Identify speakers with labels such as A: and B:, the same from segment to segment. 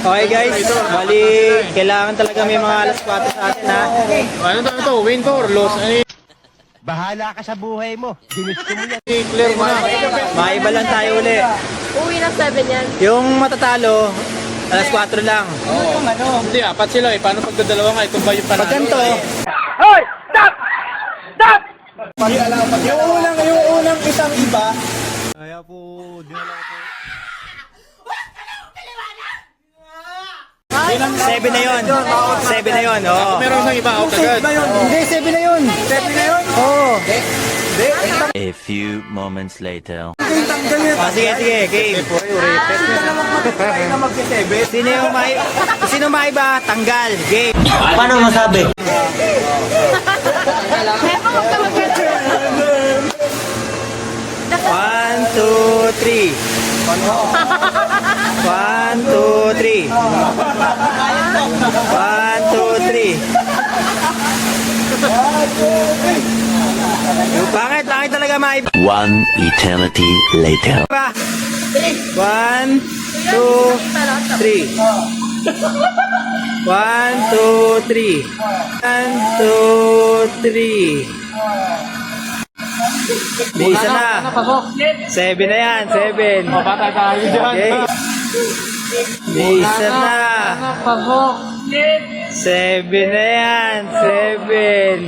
A: Okay guys, bali kailangan talaga may mga alas 4 sa atin ha.
B: Ano to? Win to or loss?
C: Bahala ka sa buhay mo. Ginusto mo yan.
B: Clear mo na.
A: Maiba lang tayo uli.
D: Uwi ng 7 yan.
A: Yung matatalo, alas 4 lang.
B: Hindi, apat sila eh. Paano pag dalawa nga? Ito ba yung panalo?
A: Pag ganito,
C: Hoy! Stop! Stop!
A: yung unang isang iba.
C: Kaya po, dinala ko po.
A: 7 na yun. 7 na yun, oo.
B: Meron isang iba out agad.
A: Hindi, 7 na yun. 7 na yun? Oo.
E: A few moments later.
A: Sige, game. Sino maiba? Tanggal. Game.
E: Paano masabi?
A: One, two, three. 1, 2, 3. 1, 2, 3. Bakit talaga maiba?
E: One eternity later.
A: 1, 2, 3. 1, 2, 3. 1, 2, 3. May isa na. 7 na yan, 7.
B: Patay tayo dyan.
A: Okay. May isa na. 7 na yan, 7.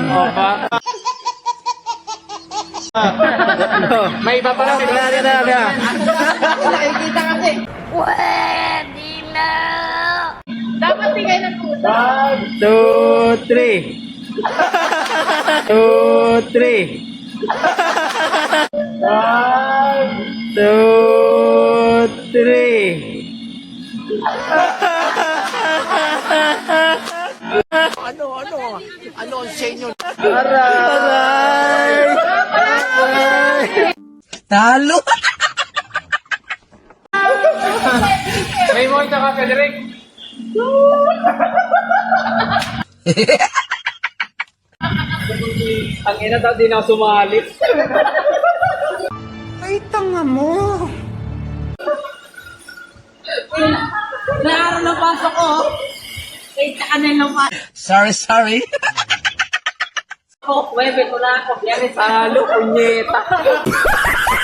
B: May iba pa lang.
D: Nakikita kasi. Pwede na. Dapat bigay ng tuta.
A: 1, 2, 3. 2, 3. 1, 2, 3.
C: Ano ang sa inyo?
A: Aray! Talo!
B: May mo ito ka, Frederick. Ang ina daw, di na ako sumali.
A: Ay, tanga mo!
D: Naaraw na pasok ko. Wait, saka na lang pasok
C: Sorry.
D: ko. Webe ko na ako. Yari sa
A: Talo, punyeta!